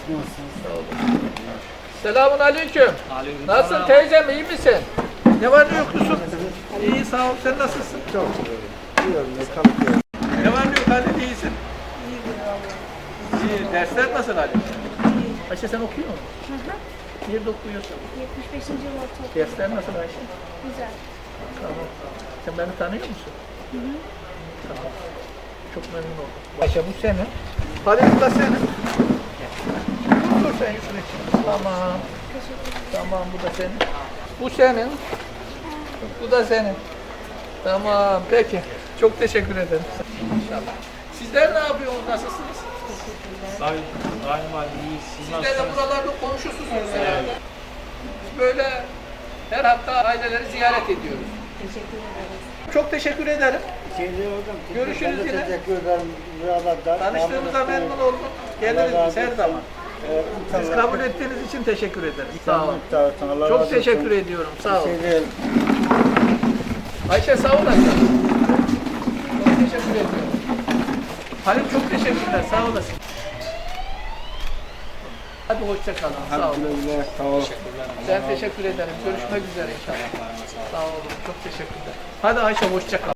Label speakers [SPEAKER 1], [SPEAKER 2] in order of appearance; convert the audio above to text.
[SPEAKER 1] Nasılsınız?
[SPEAKER 2] Sağ olun. Selamun aleyküm.
[SPEAKER 3] Aleykümselam.
[SPEAKER 2] Nasılsın teyzem, iyi misin? Ne var ne yok Yusuf? İyi sağ ol, sen nasılsın?
[SPEAKER 1] Çok güzel. Yiyorum ne kalkıyorum.
[SPEAKER 2] Ne var ne yok Halil, iyisin? İyi, dersler nasıl Halil? Ayşe sen okuyor musun? Nerede okuyorsun?
[SPEAKER 4] 75. yıl ortaokul.
[SPEAKER 2] Dersler nasıl Ayşe?
[SPEAKER 4] Güzel.
[SPEAKER 2] Tamam. Sen beni tanıyor musun? Tamam. Çok memnun oldum. Ayşe bu senin. Halil bu da senin. Dur sen şunu için. Tamam. Tamam bu da senin. Bu senin. Bu da senin. Tamam peki. Çok teşekkür ederim. İnşallah. Sizler ne yapıyorsunuz? Nasılsınız?
[SPEAKER 3] Daima iyiyiz. Siz
[SPEAKER 2] Sizler de
[SPEAKER 3] nasılsınız?
[SPEAKER 2] buralarda komşusunuz herhalde. Biz böyle her hafta aileleri ziyaret ediyoruz.
[SPEAKER 4] Teşekkür ederiz.
[SPEAKER 2] Çok teşekkür ederim.
[SPEAKER 1] Şeyde hocam.
[SPEAKER 2] Görüşürüz
[SPEAKER 1] ben de
[SPEAKER 2] yine.
[SPEAKER 1] Teşekkür ederim. Buralarda.
[SPEAKER 2] Tanıştığımıza memnun oldum. Geliriz biz her zaman. Siz kabul ettiğiniz için teşekkür ederim. Sağ olun. Çok teşekkür ediyorum. Sağ olun.
[SPEAKER 1] Şey değil.
[SPEAKER 2] Ayşe sağ olasın. Çok teşekkür ediyorum. Halim çok teşekkürler. Sağ olasın. Hadi hoşça kalın. Sağ olun.
[SPEAKER 1] Alhamdülillah. Sağ ol.
[SPEAKER 2] Ben teşekkür ederim. Görüşmek üzere inşallah. Sağ olun. Çok teşekkürler. Hadi Ayşe hoşça kal.